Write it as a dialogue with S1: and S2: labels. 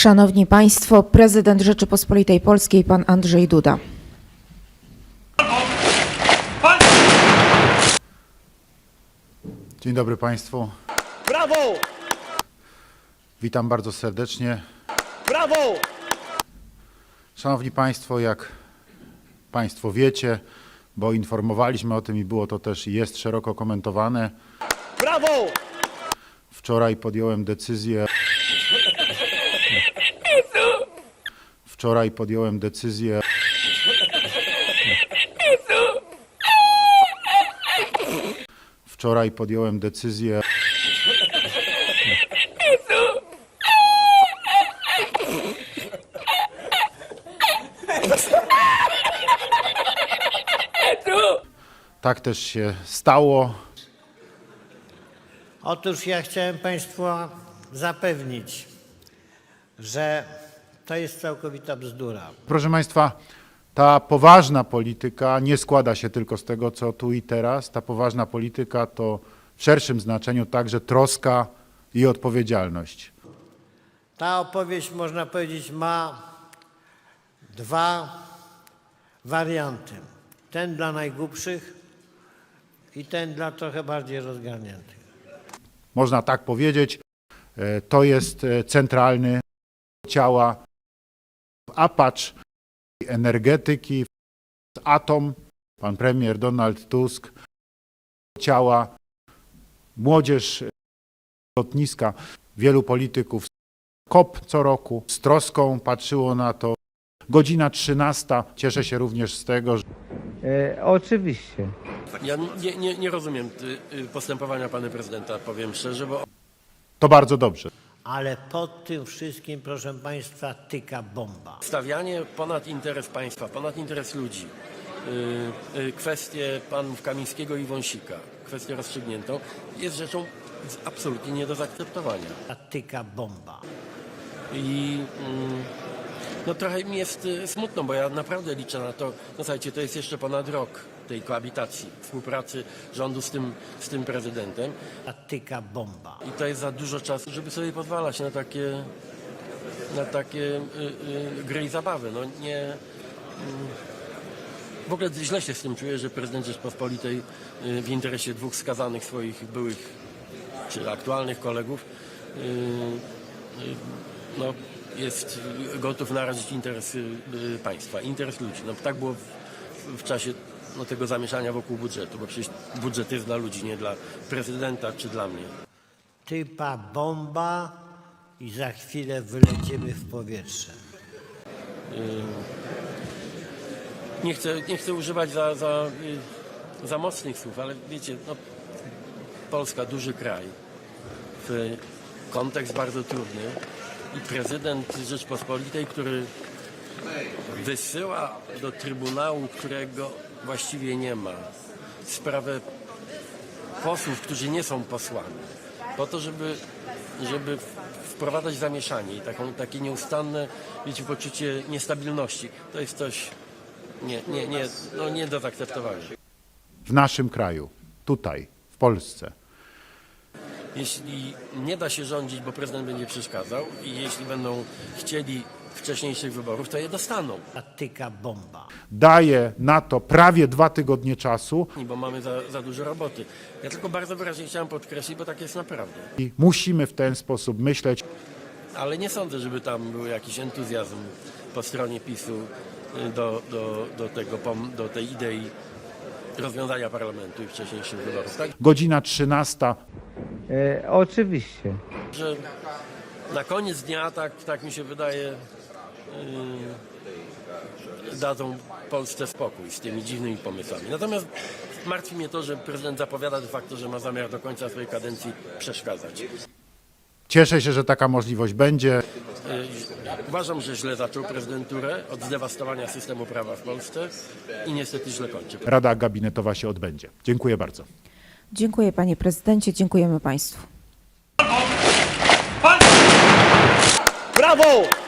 S1: Szanowni Państwo, prezydent Rzeczypospolitej Polskiej, pan Andrzej Duda.
S2: Dzień dobry Państwu.
S3: Brawo!
S2: Witam bardzo serdecznie.
S3: Brawo!
S2: Szanowni Państwo, jak Państwo wiecie, bo informowaliśmy o tym i było to też i jest szeroko komentowane.
S3: Brawo!
S2: Wczoraj podjąłem decyzję. Wczoraj podjąłem decyzję. Wczoraj podjąłem decyzję. Tak też się stało.
S4: Otóż ja chciałem Państwa zapewnić, że to jest całkowita bzdura.
S2: Proszę Państwa, ta poważna polityka nie składa się tylko z tego, co tu i teraz. Ta poważna polityka to w szerszym znaczeniu także troska i odpowiedzialność.
S4: Ta opowieść, można powiedzieć, ma dwa warianty. Ten dla najgłupszych i ten dla trochę bardziej rozgarniętych.
S2: Można tak powiedzieć, to jest centralny ciała apacz energetyki, atom, pan premier Donald Tusk, ciała młodzież lotniska, wielu polityków. COP co roku z troską patrzyło na to. Godzina 13. Cieszę się również z tego, że...
S5: Oczywiście.
S3: Ja nie rozumiem postępowania pana prezydenta, powiem szczerze, bo
S2: To bardzo dobrze.
S4: Ale pod tym wszystkim, proszę Państwa, tyka bomba.
S3: stawianie ponad interes państwa, ponad interes ludzi, kwestię panów Kamińskiego i Wąsika, kwestię rozstrzygniętą, jest rzeczą absolutnie nie do zaakceptowania.
S4: Tyka bomba.
S3: I no trochę mi jest smutno, bo ja naprawdę liczę na to, no słuchajcie, to jest jeszcze ponad rok tej koabitacji, współpracy rządu z tym prezydentem.
S4: Tyka bomba.
S3: I to jest za dużo czasu, żeby sobie pozwalać na takie gry i zabawy. No nie, w ogóle źle się z tym czuję, że prezydent Rzeczpospolitej w interesie dwóch skazanych swoich byłych czy aktualnych kolegów no, jest gotów narazić interes państwa, interes ludzi. No, tak było w czasie tego zamieszania wokół budżetu, bo przecież budżet jest dla ludzi, nie dla prezydenta czy dla mnie.
S4: Typa bomba i za chwilę wylecimy w powietrze.
S3: Nie chcę używać za mocnych słów, ale wiecie, no, Polska, duży kraj, kontekst bardzo trudny i prezydent Rzeczpospolitej, który wysyła do Trybunału, którego właściwie nie ma, sprawę posłów, którzy nie są posłami, po to, żeby wprowadzać zamieszanie i takie nieustanne, wiecie, poczucie niestabilności. To jest coś nie do zaakceptowania.
S2: W naszym kraju, tutaj, w Polsce.
S3: Jeśli nie da się rządzić, bo prezydent będzie przeszkadzał i jeśli będą chcieli wcześniejszych wyborów, to je dostaną.
S4: Tyka bomba.
S2: Daje na to prawie 2 tygodnie czasu
S3: Bo mamy za dużo roboty. Ja tylko bardzo wyraźnie chciałem podkreślić, bo tak jest naprawdę.
S2: i musimy w ten sposób myśleć.
S3: Ale nie sądzę, żeby tam był jakiś entuzjazm po stronie PiS-u do tej idei rozwiązania parlamentu i wcześniejszych wyborów. Tak?
S2: Godzina 13.
S5: Oczywiście.
S3: Że na koniec dnia, tak mi się wydaje, dadzą Polsce spokój z tymi dziwnymi pomysłami. Natomiast martwi mnie to, że prezydent zapowiada de facto, że ma zamiar do końca swojej kadencji przeszkadzać.
S2: Cieszę się, że taka możliwość będzie.
S3: Uważam, że źle zaczął prezydenturę od zdewastowania systemu prawa w Polsce i niestety źle kończy.
S2: Rada gabinetowa się odbędzie. Dziękuję bardzo.
S1: Dziękuję panie prezydencie, dziękujemy państwu.
S3: Brawo!